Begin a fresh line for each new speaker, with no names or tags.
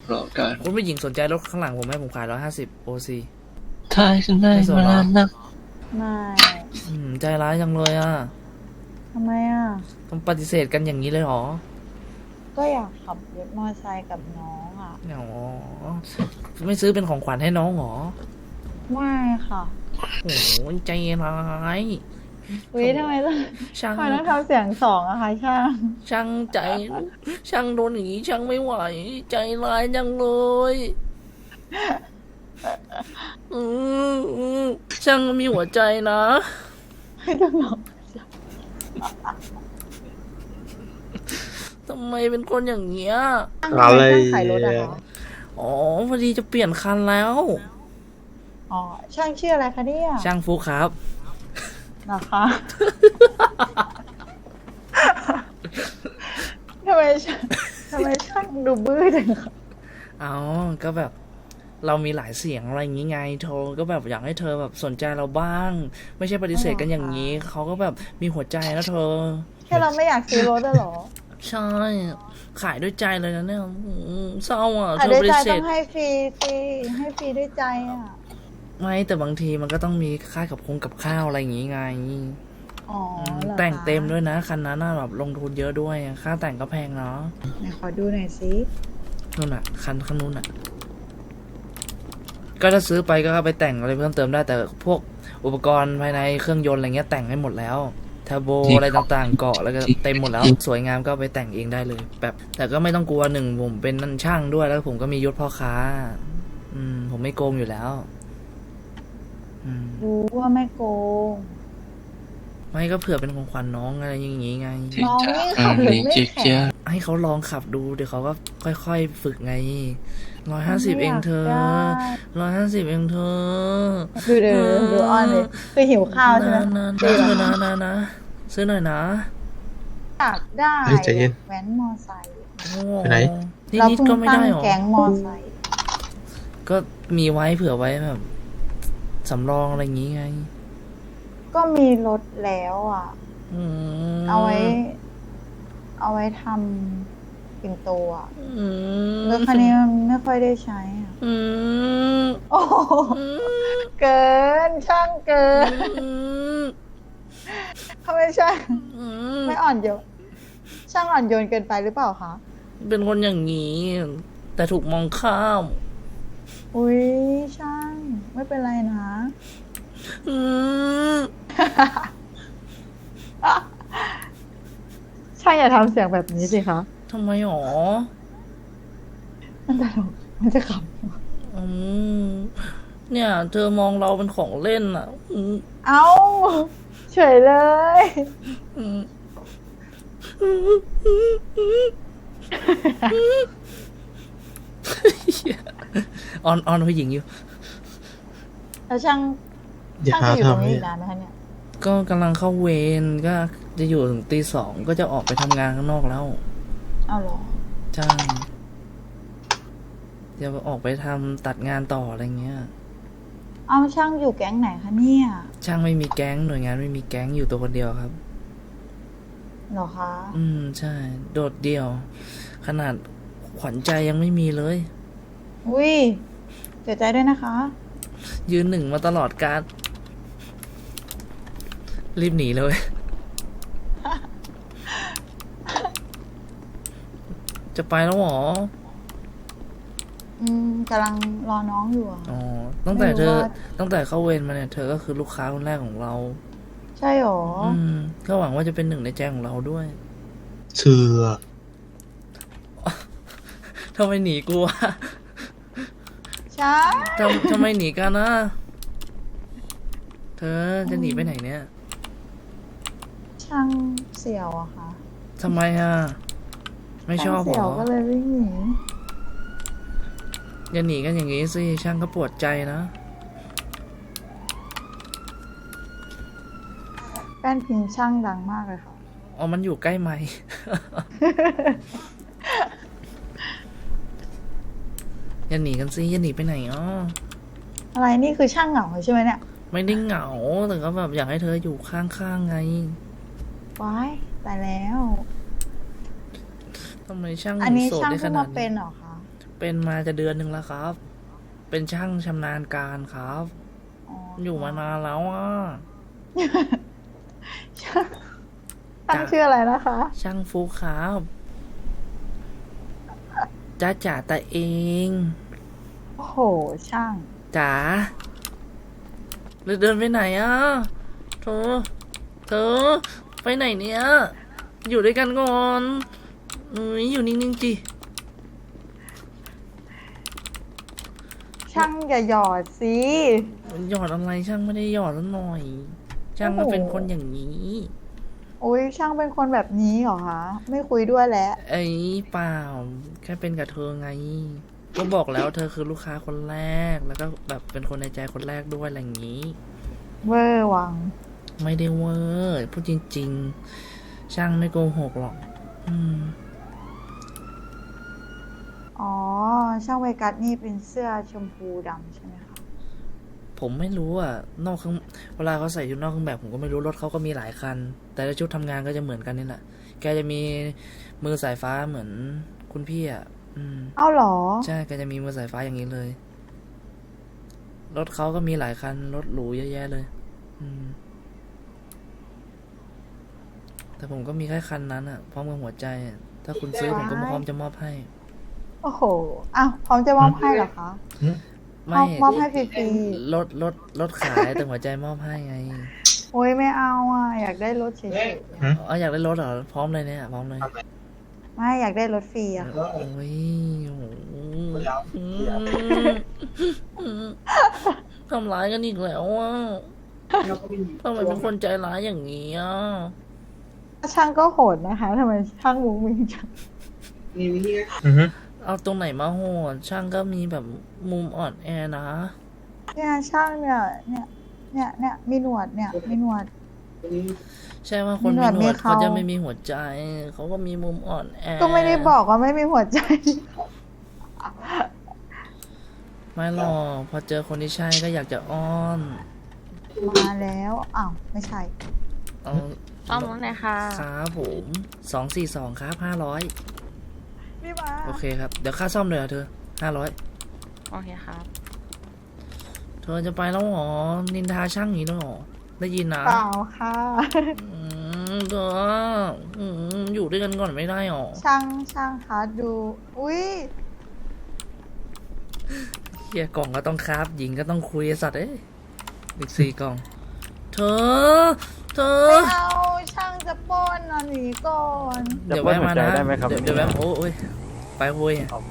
รอการ
คุณผู้หญิงสนใจรถข้างหลังผมไหมผมขาย150 OC
ถ้าฉันได้มานานนัก
ไม่
ใจร้ายจังเลยอ่ะ
ทำไมอ่ะ
ต้องปฏิเสธกันอย่างนี้เลยเหรอ
ก็อยากขับรถมอเตอร์ไซค์กับน้องอ่ะ
อ๋อไม่ซื้อเป็นของขวัญให้น้องเหรอ
ไม่ค่ะ
โอ้โหใจร้าย
อุ้ยทำไมต้องทำเสียงสองอะคะ
ช่างใจช่างโดนอย่างนี้ช่างไม่ไหวใจร้ายจังเลย ช่างมีหัวใจนะ
ไม่ต้องหรอก
ทำไมเป็นคนอย่างเงี้ย
อะไรขายรถอะคะ
อ๋อพอดีจะเปลี่ยนคันแล้ว
อ๋อช่างชื่ออะไรคะเนี่ย
ช่างฟุกครับ
นะคะทำไมช่างดูบื้อจังคะ
อ๋อก็แบบเรามีหลายเสียงอะไรอย่างงี้ไงโทรก็แบบอยากให้เธอแบบสนใจเราบ้างไม่ใช่ปฏิเสธกันอย่างนี้เขาก็แบบมีหัวใจแล้วเธอ
แค่เราไม่อยากซื้อรถหรอ
ใช่ขายด้วยใจเลยนะเนี่ยเศร้าอ่ะ
เธอปฏิเสธต้องให้ฟรีสิให้ฟรีด้วยใจอ่ะ
ไม่แต่บางทีมันก็ต้องมีค่ากับข้าวอะไรอย่างงี้ไง
อ๋อ
แต่งเต็มด้วยนะคันนั้นแบบลงทุนเยอะด้วยค่าแต่งก็แพงเนาะ
ไหนขอดูหน่อยสิ
นู่นอ่ะคันข้างนู้นอ่ะก็ถ้าซื้อไปก็เอาไปแต่งอะไรเพิ่มเติมได้แต่พวกอุปกรณ์ภายในเครื่องยนต์อะไรเงี้ยแต่งให้หมดแล้วเทอร์โบอะไรต่างๆเกาะแล้วก็เต็มหมดแล้วสวยงามก็ไปแต่งเองได้เลยแบบแต่ก็ไม่ต้องกลัวหนึ่งผมเป็นนั่นช่างด้วยแล้วผมก็มียศพ่อค้าผมไม่โกงอยู่แล้ว
รู้ว่าไม่โกง
ไม่ก็เผื่อเป็นของขวัญน้องอะไรอย่างงี้ไง
น้องนี่ขับหรือไม่แข็ง
ให้เขาลองขับดูเดี๋ยวเขาก็ค่อยๆฝึกไง150เองเธอ150เองเธอ
ดูอ้อนเลยคือหิวข้าวใช่ไหม
นะซื้อหน่อยนะ
อยากได้แว้นมอไซค์
ไปไหน
เราเพิ่งตั้งแก๊งมอไซค์
ก็มีไว้เผื่อไว้แบบสำรองอะไรอย่างงี้ไง
ก็มีรถแล้วอ่ะเอาไว้ทำปิ่นโตอ่ะรถคันนี้มันไม่ค่อยได้ใช้อ่ะโอ้เกินช่างเกินทำไมช่างไม่อ่อนโยนช่างอ่อนโยนเกินไปหรือเปล่าคะ
เป็นคนอย่างนี้แต่ถูกมองข้าม
อุ้ยช่างไม่เป็นไรนะช่างอย่าทำเสียงแบบนี้สิคะ
ทำไมหรอ
มันตลกมันจะข
ำเนี่ยเธอมองเราเป็นของเล่นอ่ะ
เอ้าเฉยเลย
ออนผู้หญิงอยู่
แล้วช่างจะอยู่ตรงนี้นานไหมคะเนี่ย
ก็กำลังเข้าเวรก็จะอยู่ถึงตี 2ก็จะออกไปทำงานข้างนอกแล้ว
เอาหรอ
ใช่จะออกไปทำตัดงานต่ออะไรเงี้ย
เอาช่างอยู่แก๊งไหนคะเนี่ย
ช่างไม่มีแก๊งหน่วยงานไม่มีแก๊งอยู่ตัวคนเดียวครับ
หรอคะ
ใช่โดดเดี่ยวขนาดขวัญใจยังไม่มีเลย
อุ้ยเสียใจด้วยนะคะ
ยืนหนึ่งมาตลอดการรีบหนีเลยจะไปแล้วหร
อกำลังรอน้องอยู่
อ๋อตั้งแต่เข้าเวรมาเนี่ยเธอก็คือลูกค้าคนแรกของเรา
ใช่หรอ
ก็หวังว่าจะเป็นหนึ่งในใจของเราด้วย
เชื่อ
ทำไมหนีกูวะ
ใช่
ทำไมหนีกันนะเธอจะหนีไปไหนเนี่ย
ช่างเสี่ยวอะค่ะ
ทำไมอ่ะไม่ชอบหรอ
เสี่ยวก็เลยวิ่งหนี
อย่าหนีกันอย่างนี้สิช่างก็ปวดใจนะ
แป้นพิมพ์ช่างดังมากเลยค่ะ
อ๋อมันอยู่ใกล้ไหม อย่าหนีกันสิอย่าหนีไปไหน
อะไรนี่คือช่างเหงาใช่ไหมเนี่ย
ไม่ได้เหงาแต่ก็แบบอยากให้เธออยู่ข้างๆไง
ว้ายแต่แล้ว
ทำไมช่าง
อันนี้ช่างเพิ่งมาเป็นหรอคะ
เป็นมาจะเดือนหนึ่งแล้วครับ เป็นช่างชำนาญการครับ
อ๋อ
อยู่มานานแล้วอ่ะ
ตั้งชื่ออะไรนะคะ
ช่างฟุกครับจ้าจ๋าตาเอง
โอ้โห ช่าง
จ๋าเดินไปไหนอ่ะเธอไปไหนเนี่ย อยู่ด้วยกันก่อนอยู่นิ่งๆจิ
ช่างอย่าหยอดสิ
หยอดอะไรช่างไม่ได้หยอดแล้วหน่อย ช่างมันเป็นคนอย่างนี้
โอ้ยช่างเป็นคนแบบนี้เหรอคะ ไม่คุยด้วยแล้ว
ไอ้เปล่าแค่เป็นกับเธอไง ก็บอกแล้วเธอคือลูกค้าคนแรก แล้วก็แบบเป็นคนในใจคนแรกด้วยอะไรอย่างนี้
เวอร์วัง
ไม่ได้เวอร์พูดจริงๆ ช่างไม่โกหกหรอก
อ๋อ ช่างเวกัสนี่เป็นเสื้อชมพูดำใช่ไหมคะ
ผมไม่รู้อ่ะนอกเครื่องเวลาเขาใส่ชุดนอกเครื่องแบบผมก็ไม่รู้รถเขาก็มีหลายคัน แต่ละชุดทำงานก็จะเหมือนกันนี่แหละแกจะมีมือสายฟ้าเหมือนคุณพี่อ่ะ
เอ้าเหรอ
ใช่แกจะมีมือสายฟ้าอย่างนี้เลย รถเขาก็มีหลายคันรถหรูเยอะแยะเลย แต่ผมก็มีแค่คันนั้นอ่ะพร้อมกับหัวใจอะถ้าคุณซื้อผมก็พร้อมจะมอบให้
โอ้โห อ้าวพร้อมจะมอบให้เหรอคะ
ไม่
มอบให้ฟรี
รถขายแต่หัวใจมอบให้ไง
ๆโอ้ยไม่เอาอ่ะ อยากได้รถเฉย
อ๋ออยากได้รถเหรอพร้อมเลยเนี่ยพร้อมเลย
ๆ ไม่อยากได้รถฟรีอะค่ะ
โอ้ยโอ้โหทำร้ายกันอีกแล้วอ่ะทำไมเป็นคนใจร้ายอย่างนี้อ่ะ
ช่างก็โหดนะคะทำไมช่างมุ้งมิ้งจัง
เอาตรงไหนมาโหดช่างก็มีแบบมุมอ่อนแอนะ
เนี่ยช่างเนี่ยมีหนวดเนี่ยมีหนวด
ใช่ว่าคน
มี
มี
หนวด
หนวด
มีเขา
เขาจะไม่มีหัวใจเขาก็มีมุมอ่อนแอ
ก็ไม่ได้บอกว่าไม่มีหัวใจ
ไม่หรอกพอเจอคนที่ใช่ก็อยากจะอ้อน
มาแล้วอ้าวไม่ใช่
เอา
ซ่อมรถหน่อยค่ะ
ครับผม242ครับ500
นี่มา
โอเคครับเดี๋ยวค่าซ่อมเลยเหรอเธอ500
โอเคครับ
เธอจะไปแล้วเหรอนินทาช่างอย่างนี้ด้วยเหรอได้ยินนะ
เปล่าค่ะ
เธออยู่ด้วยกันก่อนไม่ได้หรอ
ช่างคะดู อุ้ย
เฮียกล่องก็ต้องคราฟหญิงก็ต้องคุยไอ้สัตว์เอ้ยอีก4 กล่อง เธอ
ไม่เอาช่างจะปล้นอ่ะหนีก่อน
เดี๋ยวแวะมานะเดี๋ยวแวะโอ้ยไปโว้ย